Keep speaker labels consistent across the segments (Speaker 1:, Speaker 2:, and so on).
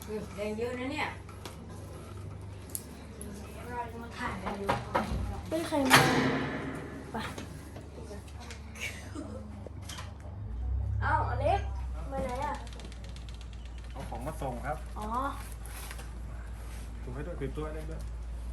Speaker 1: แดงเยอะนะเนี่ยมาถ่ายกันดูไม่ใครมาไปเอ้าอเล็กไปไหนอ่ะ
Speaker 2: เอาของมาส่งครับ
Speaker 1: อ๋อ
Speaker 2: ถือให้ด้วยถือตัวได้ด้วย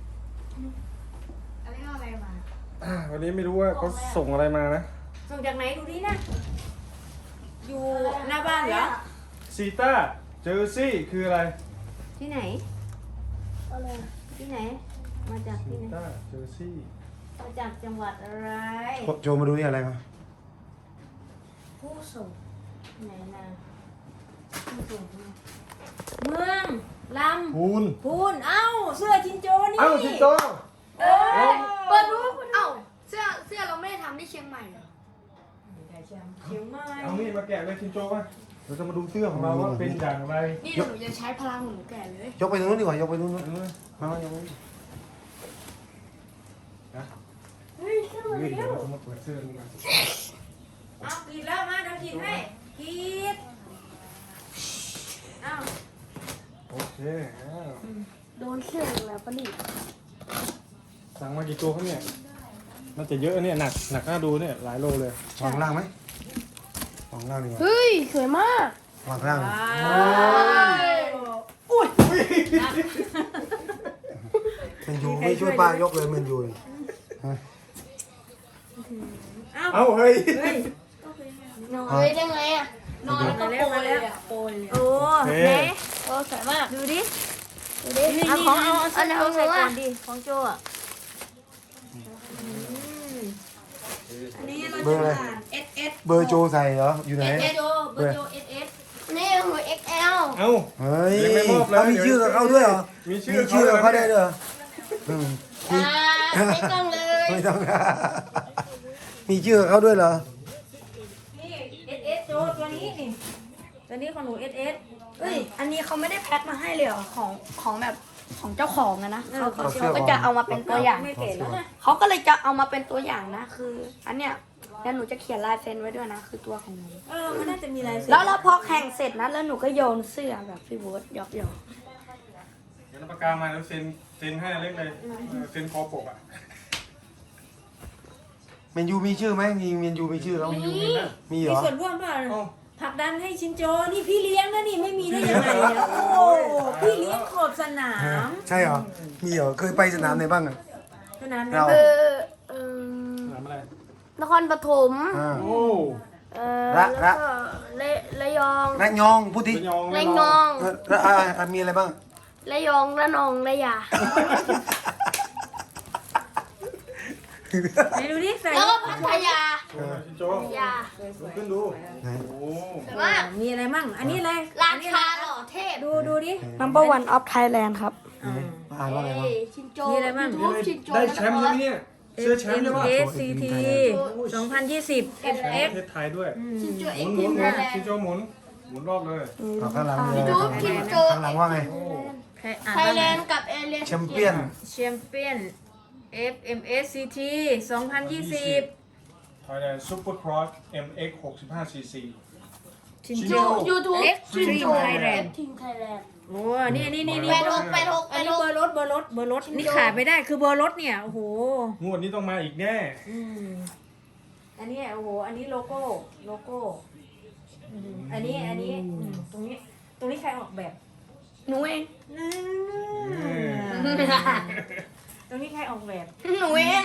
Speaker 1: อเล็กเอาอะไรมา
Speaker 2: วันนี้ไม่รู้ว่าเขาส่งอะไรมานะ
Speaker 1: ส่งจากไหนดูดินะอยู่หน้าบ้านเหรอ
Speaker 2: ซีต้าเจอร์ซี่คืออะไร
Speaker 1: ที่ไหนอะไรที่ไหนมาจากที่ไหน
Speaker 2: ซีต้าเจอร์ซี่
Speaker 1: มาจากจังหวัดอะไร
Speaker 3: โจมาดูนี่อะไรมา
Speaker 1: ผู้ส่งไหนนะผู้ส่งเมืองลำพูนเอ้าเสื้อชินโจนี่
Speaker 2: เอ้าชินโจ
Speaker 1: เปิดดูเอ้าเสื้อเราไม่ได้ทำที่เชียงใหม่เหรอเชียงใหม่
Speaker 2: เอานี่มาแกะเลยชินโจมาเราจะมาดูเสื้อของเราว่าเป็นอย่างไร
Speaker 1: นี่หนูจะใช้พลังหนูแกะเลย
Speaker 3: ยกไปตรงนู้นดีกว่ายกไปตรงนู้นมายกไป
Speaker 2: นะ
Speaker 1: เฮ้ยเสื้อ
Speaker 2: เดี๋
Speaker 1: เร็ว
Speaker 2: ยวเราจะมาเปิดเสื้อดูกัน
Speaker 1: เอากินแล้วมาเดี๋ยวกินให้กินเอา
Speaker 2: โอเค
Speaker 1: โดนเสื้อแล้วปะนี่
Speaker 2: สั่งมากี่ตัวครับเนี่ยน่าจะเยอะเนี่ยหนักน่าดูเนี่ยหลายโลเลยว
Speaker 3: างล่างไหมวางล่างดีกว่า
Speaker 1: เฮ้ยสวยมาก
Speaker 3: วางล่าง
Speaker 1: อุ้ย
Speaker 3: มันอยู่ไม่ช่วยป้ายกเลยมันอยู่
Speaker 2: เอาเฮ้ย
Speaker 1: นอนเลยได้ไงอ่ะนอนก็โปรยเลยอ่ะโปรยเลยโอ้เน่โอ้สวยมากดูดิเอาของเอาใส่ก่อนดิของโจอ่ะอันนี้เราจะผ่าน SS
Speaker 3: เบอร์โจใส่เหรออยู่ไหน
Speaker 1: เบอร์โจ SS นี่หัว XL
Speaker 2: เอา
Speaker 3: เฮ้ย
Speaker 2: ยังไม่มอบเลย
Speaker 3: มีชื่อเขาด้วยเหรอ
Speaker 2: มีชื่
Speaker 3: อเขาได้ด้วย
Speaker 1: ไม่ต้องเลย
Speaker 3: ไม่ต้องมีชื่อเขาด้วยเหรอ
Speaker 1: นี่ SS โจตัวนี้นี่ตัวนี้ของหนู SS เอ้ยอันนี้เขาไม่ได้แพ็คมาให้เลยเหรอของแบบของเจ้าของนะเขาก็จะเอามาเป็นตัวอย่างไม่เก๋แล้วนะเขาก็เลยจะเอามาเป็นตัวอย่างนะคืออันเนี้ยแล้วหนูจะเขียนลายเซ็นไว้ด้วยนะคือตัวของหนูมันน่าจะมีลายเซ็นแล้วพอแข่งเสร็จนะแล้วหนูก็โยนเสื้อแบบพี่โบ๊ทหยอก
Speaker 2: เดี๋ยวปากกามาแล้วเซ็นให้เล็กเลยเซ็นคอปกอ่ะ
Speaker 3: เมนยูมีชื่อไหมมีเมนยูมีชื่อแล้วมีเหรอ
Speaker 1: มีส่วนร่วมป่ะผลักดันให้ชินโจนี่พี่เลี้ยงนะนี่ไม่มีได้ยังไงเนี่ยโอ้พี่เลี้ยงขอบสนาม
Speaker 3: ใช่เหรอมีเหรอเคยไปสนามไหนบ้างอ่ะ
Speaker 1: สนาม
Speaker 2: สนามอะไร
Speaker 1: นครปฐม
Speaker 2: โอ้
Speaker 1: ระยอง
Speaker 3: พูดที
Speaker 1: ระยอง
Speaker 3: มีอะไรบ้าง
Speaker 1: ระยองระนองระยาไหนดูดิใส่แล้วก็พัทยา
Speaker 2: ชินโจ
Speaker 1: ยา
Speaker 2: ขึ้นดูโอ้
Speaker 1: แต่ว่ามีอะไรมั่งอันนี้อะไร
Speaker 4: ร้านคาหล่อเทพ
Speaker 1: ดูดิ
Speaker 4: Number One of Thailand ครับ
Speaker 3: อ่านว่าอะไรบ้าง
Speaker 1: ชินโจมีอะไรบ้าง
Speaker 2: ได้แชมป์ใช่ไหมเนี่ยเสื้อแชมป์ด้วย
Speaker 1: SCT 2020 FX
Speaker 2: ประเทศไทยด้วย
Speaker 4: ชินโจ
Speaker 2: หมุนชินโจหมุนรอบเลย
Speaker 3: ข้างหลังข้างหลังว่าไง
Speaker 4: ไทยแลนด์กับเอเลียน
Speaker 3: แชมเปี้ย
Speaker 1: น FMSCT 2020
Speaker 2: Thailand Super Cross MX 65cc
Speaker 1: ชินโจ
Speaker 4: YouTube
Speaker 1: ชินโจไทยแลนด์
Speaker 4: ทีมไทยแลนด์
Speaker 1: โอ้นี่อันนี้
Speaker 4: ไป
Speaker 1: เบอร์รถนี่ขาดไม่ได้คือเบอร์รถเนี่ยโอ้โห
Speaker 2: งวดนี้ต้องมาอีกแน่
Speaker 1: อันนี้โอ้โหอันนี้โลโก้อันนี้ตรงนี้ใครออกแบบ
Speaker 4: หนูเอง
Speaker 1: ตรงนี้ใครออกแบบ
Speaker 4: หนูเอง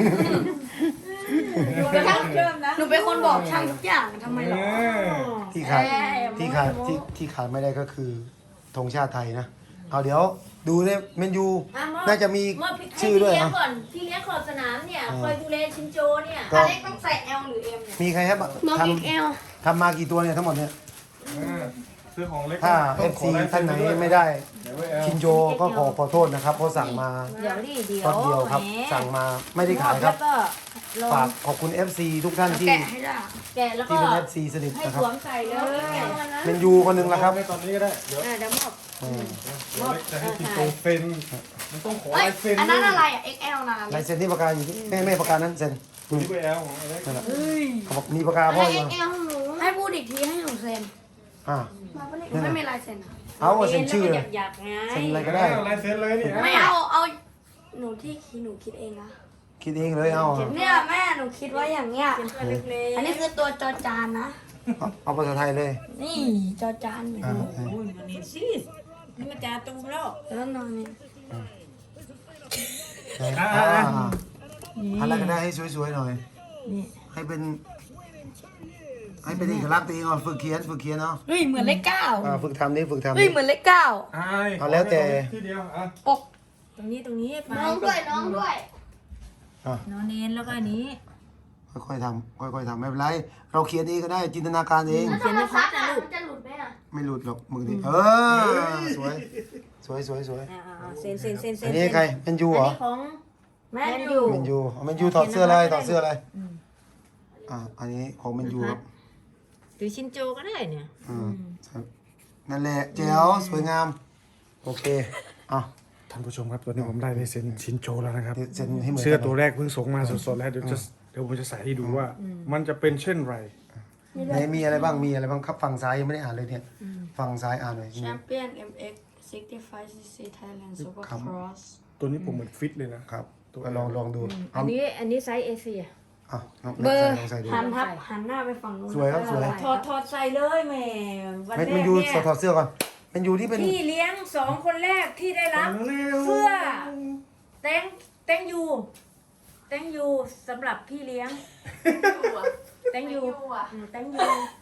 Speaker 4: หนูเป็นคนบอกช่างทุกอย่างทำไมหรอ
Speaker 3: ที่ขาดไม่ได้ก็คือธงชาติไทยนะเอาเดี๋ยวดูเนี่ยเมนยูน่าจะมีชื่อด้วยนะ
Speaker 1: พี่เลี้ยงขอบสนามเนี่ยคอยดูแลชินโจเนี่ย
Speaker 4: อเล็กต้องใส่ L หรือ M เนี่ย
Speaker 3: มีใครครับทำมากี่ตัวเนี่ยทั้งหมดเนี่ย
Speaker 2: ซื้อของเล็ก
Speaker 3: ถ้า FC ท่านไหนไม่ได้ชินโจก็ขอโทษนะครับเพราะสั่งมา
Speaker 1: เดี๋ยว
Speaker 3: ครับสั่งมาไม่ได้ขายครับฝากขอบคุณ FC ทุกท่านที่
Speaker 1: เป็น
Speaker 3: FC สนิทนะครับ
Speaker 1: ใส่แล้ว
Speaker 3: เมนยูคนหนึ่งละครับ
Speaker 2: ตอนนี้ก็ได้เดี๋ยวมอบจะให้ชินโจเซ็นมันต้องขอลายเซ็น
Speaker 4: อันนั้นอะไรอ่ะ XL นะ
Speaker 3: ลายเซ็นที่ปากกาอยู่แม่ปากกานั้นเซ็น
Speaker 2: นี่ก็ L ของอะไร
Speaker 3: เขาบอกมีปากกาพ่ออยู่
Speaker 4: ให้พูดอีกทีให้หนูเซ็น
Speaker 3: อ่า
Speaker 4: หนูไม่มีลายเซ็นอะ
Speaker 3: เอาเซ็นชื่อ
Speaker 1: อยากๆไง
Speaker 3: เซ็นอะไรก็ได้
Speaker 2: ลายเซ็นเลยนี่
Speaker 4: ไม่เอาหนูที่หนูคิดเองนะ
Speaker 3: คิดเองเลยเอา
Speaker 4: เนี่ยแม่หนูคิดว่าอย่างเงี้ย
Speaker 1: ตัวเล็กๆ
Speaker 4: อันนี้คือตัวจอจานนะ
Speaker 3: เอาภาษาไทยเลย
Speaker 4: นี่จอจานอย่าง
Speaker 3: อ่า
Speaker 4: นี้
Speaker 1: โอ้ยมันนี่สินี่มันจะตูมแล้ว
Speaker 4: แล้วนอนนี่
Speaker 3: อะไรก็ได้ให้สวยๆหน่อย
Speaker 1: นี่
Speaker 3: ให้เป็นเอกลักษณ์ตัวเองก่อนฝึกเขียนเนาะ
Speaker 4: เฮ้ยเหมือนเลขเก้า
Speaker 3: ฝึกทำนี่ฝึกทำ
Speaker 4: เฮ้ย
Speaker 3: นี่
Speaker 4: เหมือนเลขเก้า
Speaker 3: เอาแล้วแต่
Speaker 2: ที่เดียวอ่ะ
Speaker 4: ปก
Speaker 1: ตรงนี้ไป
Speaker 4: น้องด้วยน้องด้วย
Speaker 1: นอนเน้นแล้วก็อันนี้
Speaker 3: ค่อยๆทำไม่เป็นไรเราเขียนเองก็ได้จินตนาการเอง
Speaker 1: เขียนในพัดนะลูก
Speaker 4: จะหลุดไหมอ่ะ
Speaker 3: ไม่หลุดหรอกมึงดิสวย
Speaker 1: เซ็น
Speaker 3: อันนี้ใครเป็นยู
Speaker 1: อัน
Speaker 3: เหรอ
Speaker 1: นี้ของแมนยู
Speaker 3: เมนยูเมนยูถอดเสื้ออะไรอันนี้ของเมนยูครับ
Speaker 1: หรือชินโจก็ได้เนี่ย
Speaker 3: นั่นแหละแจ๋วสวยงามโอเคอ่ะ
Speaker 2: ท่านผู้ชมครับตอนนี้ผมได้ลายเซ็นชินโจแล้วนะครับ
Speaker 3: เซ็นให้เหมือน
Speaker 2: เสื้อ
Speaker 3: กัน
Speaker 2: ตัวแรกเพิ่งส่งมาสดๆแล้วเดี๋ยวผมจะใส่ให้ดูว่า มันจะเป็นเช่นไร
Speaker 3: ไหนมีอะไรบ้างครับฝั่งซ้ายยังไม่ได้อ่านเลยเนี่ยฝั่งซ้ายอ่านหน่อย
Speaker 4: แชมเปี้ยน MX 65cc Thailand Supercross
Speaker 2: ตัวนี้ผมเหมือนฟิตเลยนะครับ
Speaker 3: ก็ลองดู
Speaker 1: อันนี้ไซส์เอเชีย
Speaker 3: อ่ะน้อง
Speaker 4: เบอร์
Speaker 3: ลองใส่ดู
Speaker 4: หันหน้าไปฝั่งนู้น
Speaker 3: สวยครับสวย
Speaker 1: ถอดใส่เลยแม่วัน
Speaker 3: เม
Speaker 1: แร
Speaker 3: น
Speaker 1: ก
Speaker 3: ยู
Speaker 1: เนี่ย
Speaker 3: ถอดเสื้อก่อนเมนยูที่เป็น
Speaker 1: พี่เลี้ยง2 คนแรกที่ได้รับเสื้อแตงยูสำหรับพี่เลี้ยงแตงยู thank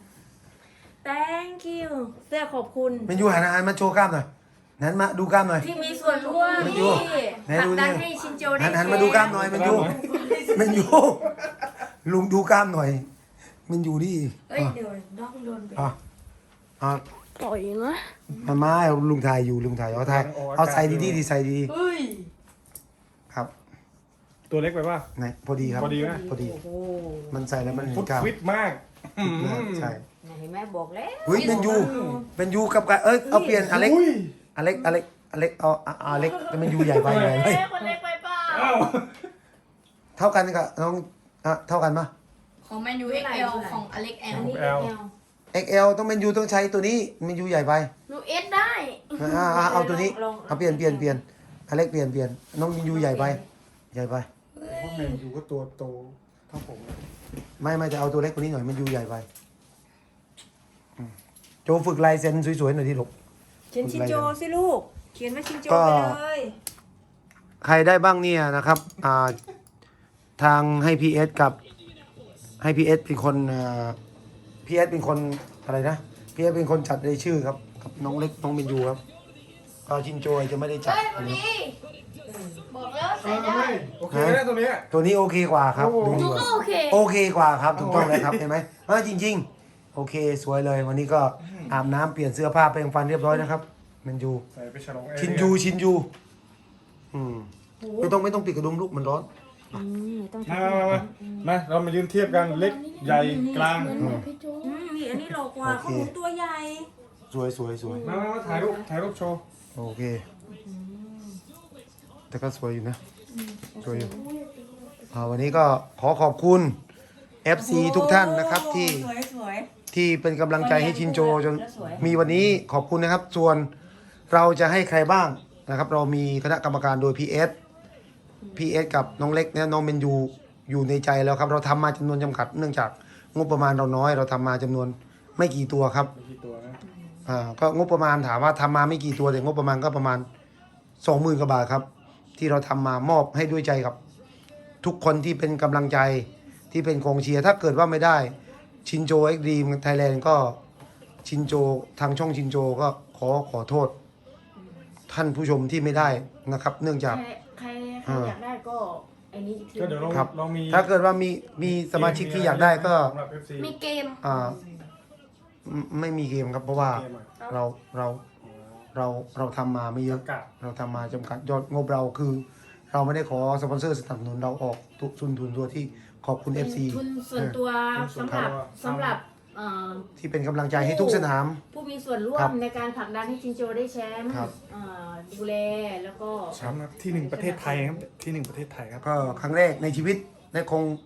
Speaker 1: you เสื้อขอบคุณ
Speaker 3: เมนยูหันมาโชว์กล้ามหน่อยนั้นมาดูกล้ามหน่อย
Speaker 1: ที่มีส่วนร่วม
Speaker 3: แมน
Speaker 1: ที่
Speaker 3: ยู
Speaker 1: ผลักดันให้ชินโจได้
Speaker 3: หันมาดูกล้ามหน่อยเมนยูลุงดูกล้ามหน่อยเมนยูดิ
Speaker 1: เอ้ยเดี๋ยวน้องโดนไป
Speaker 3: อ่ะ
Speaker 4: ปล่อยนะ
Speaker 3: มาลุงถ่ายเอาใส่ดีใส่ดี
Speaker 4: เฮ้ย
Speaker 3: ครับ
Speaker 2: ตัวเล็กไปป่ะ
Speaker 3: ไหนพอดีครับ
Speaker 2: พอดีไหม
Speaker 3: พอดี
Speaker 1: โอ้โห
Speaker 3: มันใส่แล้วมัน
Speaker 2: ฟุต
Speaker 3: กล้าม
Speaker 2: ฟิตมาก
Speaker 3: ใช่
Speaker 1: เห็นไหมบอกแล้ว
Speaker 3: เฮ้ยเมนยูกับกันเอาเปลี่ยนอเล็กเอาอเล็กแต่เมนยูใหญ่ไป
Speaker 4: คนเล็กไปเปล่า
Speaker 2: อ้าว
Speaker 3: เท่ากันกับน้องเท่ากันปะ
Speaker 4: ของแมนยู XL ของอเล็กแอ
Speaker 1: อั
Speaker 4: ล
Speaker 1: นนี้
Speaker 2: L
Speaker 3: XL ต้องเมนยูต้องใช้ตัวนี้เมนยูใหญ่ไป
Speaker 4: หนูเอสได้
Speaker 3: เอาตัวนี้เอาเปลี่ยนอเล็กเปลี่ยนน้องเมนยูใหญ่ไป
Speaker 2: พวกแมนยูก็ตัวโตเท่าผมนะ
Speaker 3: ไม่จะเอาตัวเล็กกว่านี้หน่อยเมนยูใหญ่ไปโจฝึกลายเซ็นสวยๆหน่อยที่หลบ
Speaker 1: เขียนชินโจสิลูก เขียนว่าชินโจ
Speaker 3: ก็
Speaker 1: ไปเลย
Speaker 3: ใครได้บ้างเนี่ยนะครับทางให้พีเอสกับให้พีเอสเป็นคนพีเอสเป็นคนอะไรนะพีเอสเป็นคนจัดรายชื่อครับกับน้องเล็กน้องเมนยูครับก็ชินโจจะไม่ได้จัด
Speaker 4: เฮ้ย
Speaker 3: อั
Speaker 4: วัน น
Speaker 3: นี้
Speaker 4: นี้บอกแล้วใส่ได้
Speaker 2: โอเคไหมตัวเนี้ย
Speaker 3: ตัวนี้โอเคกว่าครับ
Speaker 2: โอ้โห
Speaker 3: ดู
Speaker 4: หนู
Speaker 3: ดีก
Speaker 4: ก็
Speaker 3: ว่า
Speaker 4: โอเค
Speaker 3: โอเคกว่าครับถูกต้องเลยครับเห็นไหมจริงๆ โอเคสวยเลยวันนี้ก็อาบน้ำเปลี่ยนเสื้อผ้าแปรงฟันเรียบร้อยนะครับเมนยู
Speaker 2: ใส่ไปฉลองแอร์
Speaker 3: ชินยูไม่ต้องปิดกระดุมลูกมันร้อน
Speaker 1: ไม่ต้อง
Speaker 2: มาเรามายืนเทียบกันเล็กใหญ่กลาง
Speaker 4: พี่โจ
Speaker 1: นี่อันนี้หลอกกว่าเขาหมุนตัวใหญ่
Speaker 3: สวย
Speaker 2: มาถ่ายรูปโชว์
Speaker 3: โอเคแต่ก็สวยอยู่นะสวยอยู่วันนี้ก็ขอขอบคุณ FC ทุกท่านนะครับที่
Speaker 1: สวย
Speaker 3: ที่เป็นกำลังใจให้ชินโจจนมีวันนี้ขอบคุณนะครับ ส่วนเราจะให้ใครบ้างนะครับ เรามีคณะกรรมการโดย PS กับน้องเล็กเนี่ยน้องเมนยูอยู่ในใจแล้วครับ เราทำมาจำนวนจำกัด เนื่องจากงบประมาณเราน้อย เราทำมาจำนวนไม่กี่ตัวครับ
Speaker 2: มีกี่ตัวนะ
Speaker 3: ก็งบประมาณถามว่าทำมาไม่กี่ตัวแต่งบประมาณก็ประมาณ 20,000 กว่าบาทครับ ที่เราทำมามอบให้ด้วยใจกับ ทุกคนที่เป็นกำลังใจที่เป็นกองเชียร์ถ้าเกิดว่าไม่ได้ชินโจเอ็กดีมไทยแลนด์ก็ชินโจทางช่องชินโจก็ขอโทษ ท่านผู้ชมที่ไม่ได้นะครับ เนื่องจาก
Speaker 1: ใครอยากได้ก็ไอ้นี้อีกที
Speaker 2: ก็เดี๋ยว
Speaker 3: ครับ
Speaker 2: เรามี
Speaker 3: ถ้าเกิดว่ามีสมาชิกที่อยากได้ก็
Speaker 2: สำหรับ FC
Speaker 4: มีเกม
Speaker 3: ไม่มีเกมครับ เพราะว่า
Speaker 2: เกมอะ
Speaker 3: เราทำมาไม่เยอะ
Speaker 2: จำกัด
Speaker 3: เราทำมาจำกัดยอดงบเราคือ เราไม่ได้ขอสปอนเซอร์สนับสนุนเราออกทุกทุนตัวที่ขอบคุณ FC
Speaker 1: ทุนส่วนตัวสำหรับ
Speaker 3: ที่เป็นกำลังใจให้ทุกสนาม
Speaker 1: ผู้มีส่วนร่ว
Speaker 3: ครั
Speaker 1: ม
Speaker 3: บ
Speaker 1: ในการผลักดันให้ชินโจได้แชมป์
Speaker 3: ครับ
Speaker 1: ดูแลแล้วก็
Speaker 2: แชมป์ครับที่ 1 ประเทศไทยครับที่ 1 ประเทศไทยครับ
Speaker 3: ก็ครั้งแรกในชีวิตและคง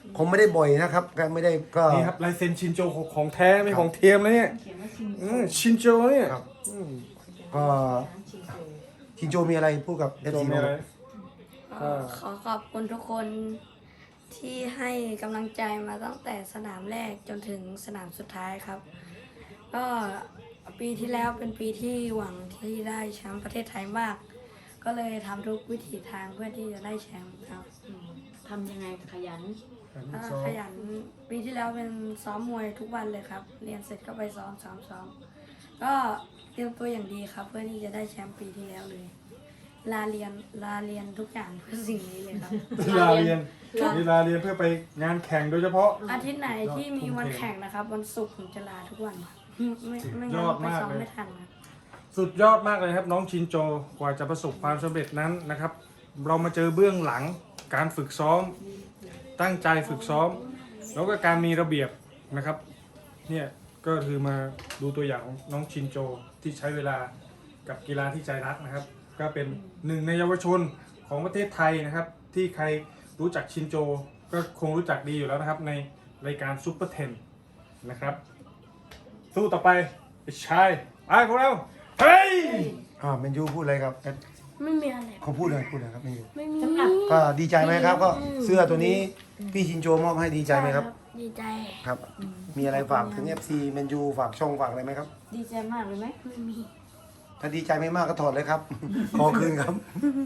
Speaker 3: คงไม่ได้บ่อยนะครับก็ไม่ได้ก็
Speaker 2: นี่ครับลายเซ็นชินโจของแท้ไม่ของเทียมนะเนี่ยชินโจเนี่ย
Speaker 3: ครับ ก็ชินโจมีอะไรพูดกับเอฟ
Speaker 2: โจ
Speaker 3: ซี
Speaker 2: มี
Speaker 3: บ้าง
Speaker 2: อะไร
Speaker 1: ขอขอบคุณทุกคนที่ให้กำลังใจมาตั้งแต่สนามแรกจนถึงสนามสุดท้ายครับ ก็ปีที่แล้วเป็นปีที่หวังที่ได้แชมป์ประเทศไทยมาก ก็เลยทำทุกวิถีทางเพื่อที่จะได้แชมป์ครับ
Speaker 4: ทำยังไงขยัน
Speaker 1: ขยันปีที่แล้วเป็นซ้อมมวยทุกวันเลยครับ เรียนเสร็จก็ไปซ้อมก็เตรียมตัวอย่างดีครับ เพื่อที่จะได้แชมป์ปีที่แล้วเลย ลาเรียนทุกอย่างเพื่อสิ่งนี้เลยครับ
Speaker 2: ลาเรียนเพื่อไปงานแข่งโดยเฉพาะ
Speaker 1: อาทิตย์ไหนที่มีวันแข่งนะครับ วันศุกร์ผมจะลาทุกวันไม่
Speaker 2: ย
Speaker 1: งั้น
Speaker 2: อด
Speaker 1: ไป
Speaker 2: มาก
Speaker 1: ซ้อม
Speaker 2: เลย
Speaker 1: ไม่ทันครับ
Speaker 2: สุดยอดมากเลยครับน้องชินโจกว่าจะประสบความสำเร็จนั้นนะครับ เรามาเจอเบื้องหลังการฝึกซ้อม ตั้งใจฝึกซ้อม แล้วก็การมีระเบียบนะครับเนี่ยก็คือมาดูตัวอย่างของน้องชินโจที่ใช้เวลากับกีฬาที่ใจรักนะครับ ก็เป็นหนึ่งในเยาวชนของประเทศไทยนะครับ ที่ใครรู้จักชินโจก็คงรู้จักดีอยู่แล้วนะครับในรายการซุปเปอร์เทนนะครับสู้ต่อไปไอ้ชายไปพวกเราเฮ้ย
Speaker 3: เมนยูพูดอะไรครับ
Speaker 1: ไม่มีอะไร
Speaker 3: เขาพูดอะไรครับเมนยู
Speaker 1: ไม่มี
Speaker 4: สำหรับ
Speaker 3: ก็ดีใจไหมครับก็เสื้อตัวนี้พี่ชินโจมอบให้ดีใจไหมครับ
Speaker 1: ดีใจ
Speaker 3: ครับ มีอะไรฝากถึง FC แมนยูฝากช่องฝากอะไรไหมครับ
Speaker 4: ดีใจมากเลยไหม
Speaker 1: ไม่มี
Speaker 3: ถ้าดีใจไม่มากก็ถอดเลยครับ ขอคืนครับ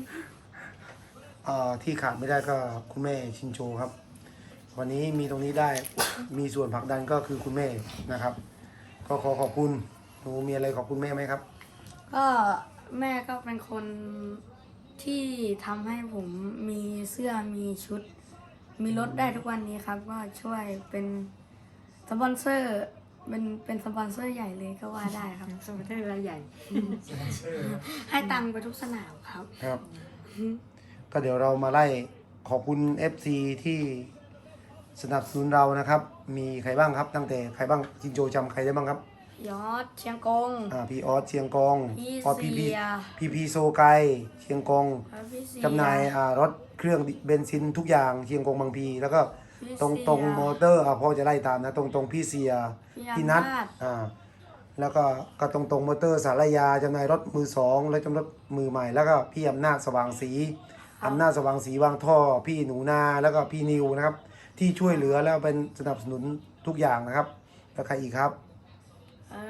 Speaker 3: ที่ขาดไม่ได้ก็คุณแม่ชินโจครับ วันนี้มีตรงนี้ได้มีส่วนผลักดันก็คือคุณแม่นะครับ ก็ขอขอบคุณหนูมีอะไรขอบคุณแม่ไหมครับ
Speaker 1: ก็แม่ก็เป็นคนที่ทำให้ผมมีเสื้อมีชุด มีรถได้ทุกวันนี้ครับก็ช่วยเป็นสปอนเซอร์เป็นสปอนเซอร์ใหญ่เลยก็ว่าได้ครับ
Speaker 4: สมัยเทศรายใหญ่
Speaker 1: ให้ตังค์ไปทุกสนามครับ
Speaker 3: ครับ ก็เดี๋ยวเรามาไล่ขอบคุณ FC ที่สนับสนุนเรานะครับ มีใครบ้างครับ ตั้งแต่ใครบ้างชินโจจำใครได้บ้างครับ
Speaker 1: ยอดเชียงกง
Speaker 3: พี่ออสเชียงกง
Speaker 1: พี่
Speaker 3: ออส
Speaker 1: เสีย
Speaker 3: พีโซไกเชียงกง
Speaker 1: พี่เสี
Speaker 3: จำหน่ายรถเครื่องเบนซินทุกอย่างเชียงกงบางพี แล้วก็ตรงมอเตอร์พ่อจะไล่ตามนะตรงพี่เสียพี่นัทแล้วก็ตรงมอเตอร์สารยาจำหน่ายรถมือสองและจำหน่ายรถมือใหม่ แล้วก็พี่อำนาจสว่างสีวางท่อพี่หนูนาแล้วก็พี่นิวนะครับ ที่ช่วยเหลือแล้วเป็นสนับสนุนทุกอย่างนะครับแล้วใครอีกครับ
Speaker 1: เอิ่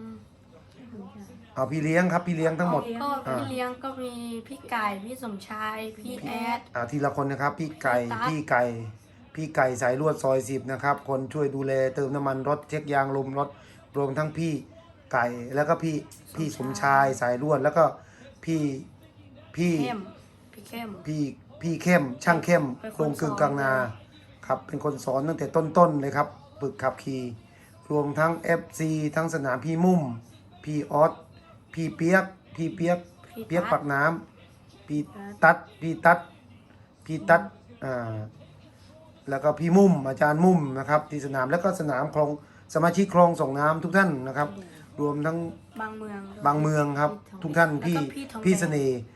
Speaker 1: ม
Speaker 3: พี่เลี้ยงครับพี่เลี้ยงทั้งหมด
Speaker 1: ก็พี่เลี้ยงก็มีพี่ไก่พี่สมชายพี่แอด
Speaker 3: ทีละคนนะครับพี่ไก่
Speaker 1: พี่ตั๊ด
Speaker 3: พี่ไก่สายลวดซอย10นะครับคนช่วยดูแลเติมน้ำมันรถเช็คยางลมรถรวมทั้งพี่ไก่แล้วก็พี่สมชายสายลวดแล้วก็พี่
Speaker 1: เข้มพี่เข้ม
Speaker 3: พี่เข้มช่างเข้ม
Speaker 1: เป็นคน
Speaker 3: โรงกึ่งกลางนา
Speaker 1: สอน
Speaker 3: ครับเป็นคนสอนตั้งแต่ต้นเลยครับฝึกขับขี่รวมทั้ง FC ทั้งสนามพี่มุ่มพี่ออสพี่เปียกปากน้ำพี่ตัดแล้วก็พี่มุ่มอาจารย์มุ่มนะครับที่สนามแล้วก็สนามคลองสมาชิกคลองส่งน้ำทุกท่านนะครับ รวมทั้ง
Speaker 1: บางเมือง
Speaker 3: บางเมืองครับ ทุกท่าน
Speaker 1: แล้วก็พี่ทองแดง
Speaker 3: พี่เส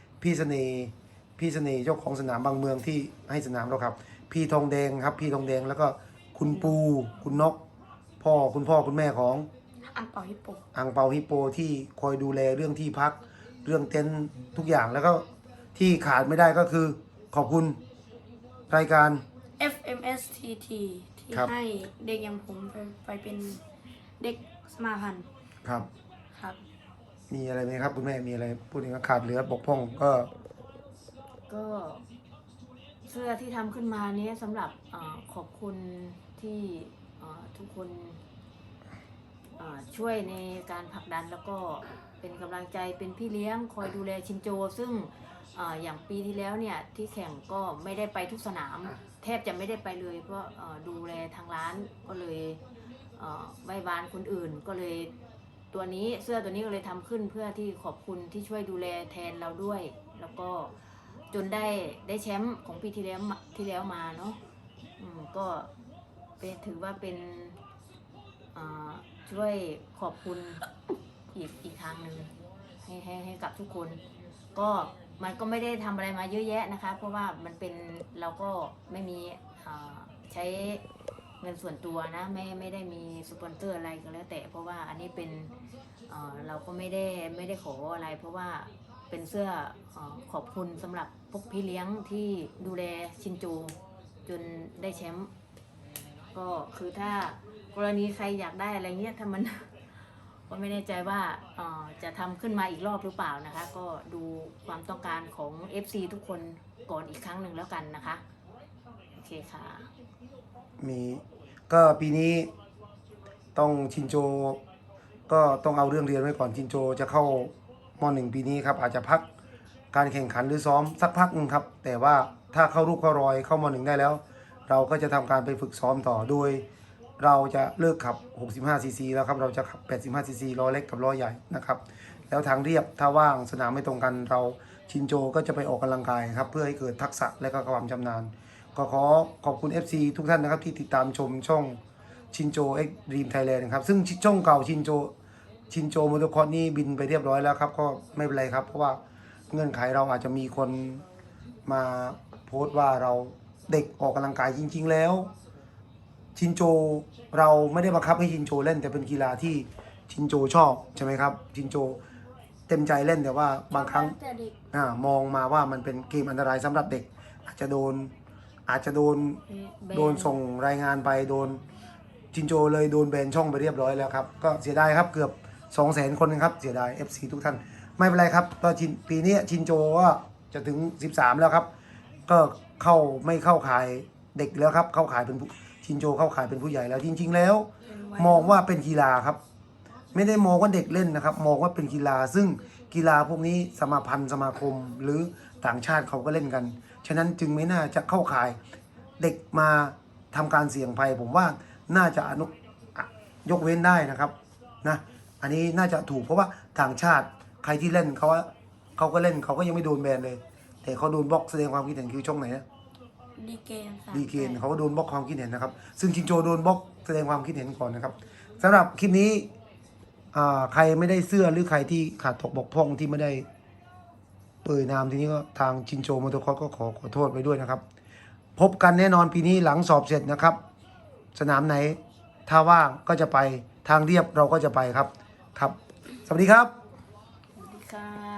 Speaker 3: น่ห์เจ้าของสนามบางเมืองที่ให้สนามเราครับ พี่ทองแดงครับพี่ทองแดงแล้วก็คุณปูคุณนกคุณพ่อคุณแม่ของ
Speaker 1: อังเป่าฮิปโป
Speaker 3: อังเปาฮิปโปที่คอยดูแลเรื่องที่พักเรื่องเต็นท์ทุกอย่างแล้วก็ที่ขาดไม่ได้ก็คือขอบคุณรายการ
Speaker 1: FMSTT ที่
Speaker 3: ครับ
Speaker 1: ให้เด็กอย่างผมไปเป็นเด็กสมาพันธ์
Speaker 3: ครับ
Speaker 1: ครับ
Speaker 3: มีอะไรไหมครับคุณแม่มีอะไรพูดถึงขาดเหลือบกพร่องก็
Speaker 4: ก็เสื้อที่ทำขึ้นมานี้สำหรับขอบคุณที่ทุกคนช่วยในการผลักดันแล้วก็เป็นกำลังใจเป็นพี่เลี้ยงคอยดูแลชินโจ ซึ่งอย่างปีที่แล้วเนี่ยที่แข่งก็ไม่ได้ไปทุกสนาม แทบจะไม่ได้ไปเลยเพราะดูแลทางร้านก็เลยไหว้วานคนอื่นก็เลยเสื้อตัวนี้ก็เลยทำขึ้นเพื่อที่ขอบคุณที่ช่วยดูแลแทนเราด้วย แล้วก็จนได้แชมป์ของปีที่แล้วมาเนาะก็ถือว่าเป็นช่วยขอบคุณอีกทางหนึ่งให้กับทุกคน ก็มันก็ไม่ได้ทำอะไรมาเยอะแยะนะคะเพราะว่ามันเป็นเราก็ไม่มีใช้เงินส่วนตัวนะไม่ได้มีสปอนเซอร์อะไรก็แล้วแต่เพราะว่าอันนี้เป็นเราก็ไม่ได้ขออะไร เพราะว่าเป็นเสื้อขอบคุณสำหรับพวกพี่เลี้ยงที่ดูแลชินจูจนได้แชมป์ก็คือถ้ากรณีใครอยากได้อะไรเงี้ยถ้ามัน ก็ไม่แน่ใจว่าจะทำขึ้นมาอีกรอบหรือเปล่านะคะ ก็ดูความต้องการของ FC ทุกคนก่อนอีกครั้งหนึ่งแล้วกันนะคะโอเคค่ะ
Speaker 3: มีก็ปีนี้ต้องชินโจก็ต้องเอาเรื่องเรียนไว้ก่อนชินโจจะเข้าม.1 ปีนี้ครับอาจจะพักการแข่งขันหรือซ้อมสักพักหนึ่งครับแต่ว่าถ้าเข้ารูปเข้ารอยเข้าม.1 ได้แล้ว เราก็จะทำการไปฝึกซ้อมต่อโดยเราจะเลิกขับ65 ซีซีแล้วครับเราจะขับ85 ซีซีล้อเล็กกับล้อใหญ่นะครับแล้วทางเรียบถ้าว่างสนามไม่ตรงกันเราชินโจก็จะไปออกกำลังกายครับเพื่อให้เกิดทักษะและก็ความชำนาญก็ขอขอบคุณ FC ทุกท่านนะครับที่ติดตามชมช่องชินโจเอ็กซ์ดรีมไทยแลนด์ครับซึ่งช่องเก่าชินโจมอเตอร์คอร์สนี่บินไปเรียบร้อยแล้วครับก็ไม่เป็นไรครับเพราะว่าเงื่อนไขเราอาจจะมีคนมาโพสต์ว่าเราเด็กออกกำลังกายจริงๆแล้วชินโจเราไม่ได้บังคับให้ชินโจเล่นแต่เป็นกีฬาที่ชินโจชอบใช่ไหมครับชินโจเต็มใจเล่นแต่ว่าบางครั้งมองมาว่ามันเป็นเกมอันตรายสำหรับเด็กอาจจะโดนส่งรายงานไปโดนชินโจเลยโดนแบนช่องไปเรียบร้อยแล้วครับก็เสียดายครับเกือบ 200,000 คนนะครับเสียดาย FC ทุกท่านไม่เป็นไรครับก็ปีนี้ชินโจก็จะถึง13แล้วครับก็ไม่เข้าขายเด็กแล้วครับเข้าขายเป็นชินโจเข้าขายเป็นผู้ใหญ่แล้วจริงๆแล้วมองว่าเป็นกีฬาครับไม่ได้มองว่าเด็กเล่นนะครับมองว่าเป็นกีฬาซึ่งกีฬาพวกนี้สมาพันธ์สมาคมหรือต่างชาติเขาก็เล่นกันฉะนั้นจึงไม่น่าจะเข้าขายเด็กมาทำการเสี่ยงภัยผมว่าน่าจะยกเว้นได้นะครับนะอันนี้น่าจะถูกเพราะว่าต่างชาติใครที่เล่นเขาก็เล่นเขาก็ยังไม่โดนแบนเลยแต่เขาโดนบล็อกแสดงความคิดเห็นคือช่องไหนนะดีเกนเขาก็โดนบล็อกความคิดเห็นนะครับซึ่งชินโจโดนบล็อกแสดงความคิดเห็นก่อนนะครับสำหรับคลิปนี้ใครไม่ได้เสื้อหรือใครที่ขาดตกบกพร่องที่ไม่ได้เปิดนามทีนี้ก็ทางชินโจมอเตอร์คอร์สก็ขอโทษไว้ด้วยนะครับพบกันแน่นอนปีนี้หลังสอบเสร็จนะครับสนามไหนถ้าว่างก็จะไปทางเรียบเราก็จะไปครับสวัสดีครับ
Speaker 4: สวัสดีค่ะ